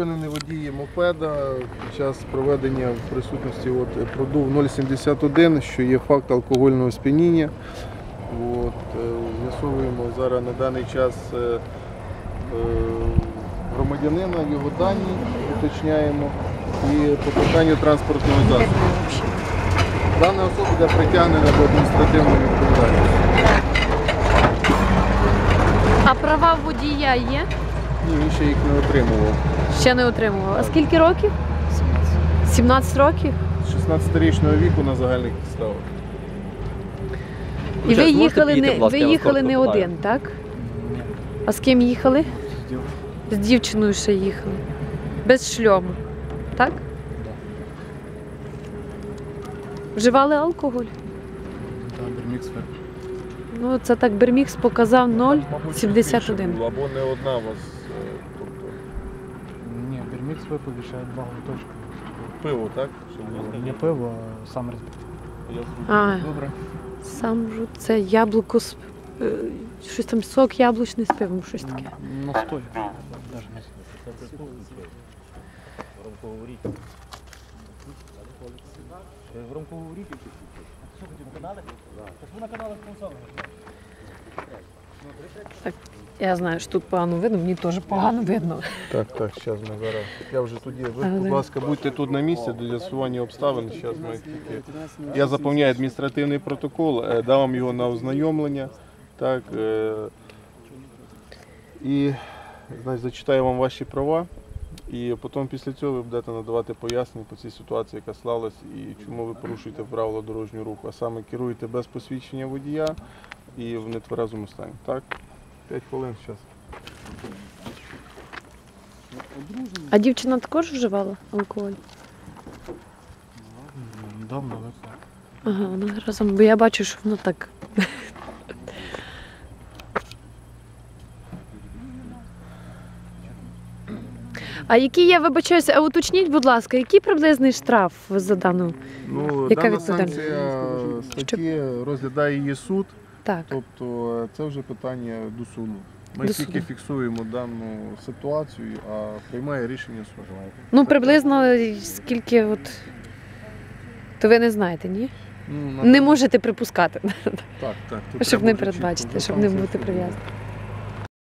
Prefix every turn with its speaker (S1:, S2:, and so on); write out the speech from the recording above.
S1: Зупинений водій мопеда під час проведення в присутності продув 0,71, що є факт алкогольного сп'яніння. З'ясовуємо зараз на даний час громадянина, його дані уточняємо і по питанню транспортного засобу. Дана особа буде притягнена до адміністративної відповідальності.
S2: А права водія є?
S1: Ні, він ще їх не отримував.
S2: Ще не отримував. А скільки років? 17 років?
S1: З 16-річного віку на загальних підставах.
S2: І ви їхали не один, так?
S3: Ні.
S2: А з ким їхали?
S3: З дівчиною.
S2: З дівчиною ще їхали. Без шльому, так? Вживали алкоголь?
S3: Та Бермікс випив.
S2: Ну, це так Бермікс показав 0,71.
S1: Або не одна у вас.
S3: Ні, Бермікс випив і ще два глоточки.
S1: Пиво, так?
S3: Не пиво, а сам розбив.
S1: Добре.
S2: Сам же це яблуко з щось там сок яблучний з пивом, щось таке.
S3: Настой.
S2: Так, я знаю, що тут погано видно, мені теж погано видно.
S1: Так, зараз ми зараз. Я вже тоді. Ви, будь ласка, будьте тут на місці до з'ясування обставин. Зараз ми тільки. Я заповняю адміністративний протокол, дам вам його на ознайомлення. Так, і значить, зачитаю вам ваші права. І потім після цього ви будете надавати пояснення по цій ситуації, яка склалась, і чому ви порушуєте правила дорожнього руху, а саме керуєте без посвідчення водія і в нетверезому стані. Так? 5 хвилин зараз.
S2: А дівчина також вживала алкоголь?
S3: Давно випив.
S2: Ага, вона разом, бо я бачу, що воно так. А який, я вибачаюся, а уточніть, будь ласка, який приблизний штраф за дану? Яка
S1: Дана
S2: відповідальність?
S1: санкція статті розглядає її суд,
S2: Так.
S1: тобто це вже питання до суду. Ми
S2: До
S1: тільки
S2: суду.
S1: фіксуємо дану ситуацію, а приймає рішення суд.
S2: Ну, приблизно скільки от. То ви не знаєте, ні? Не можете припускати,
S1: Так. Тут
S2: щоб
S1: треба
S2: не
S1: вже чітко
S2: передбачити,
S1: вже
S2: щоб не
S1: санкції
S2: бути
S1: суду.
S2: прив'язаним.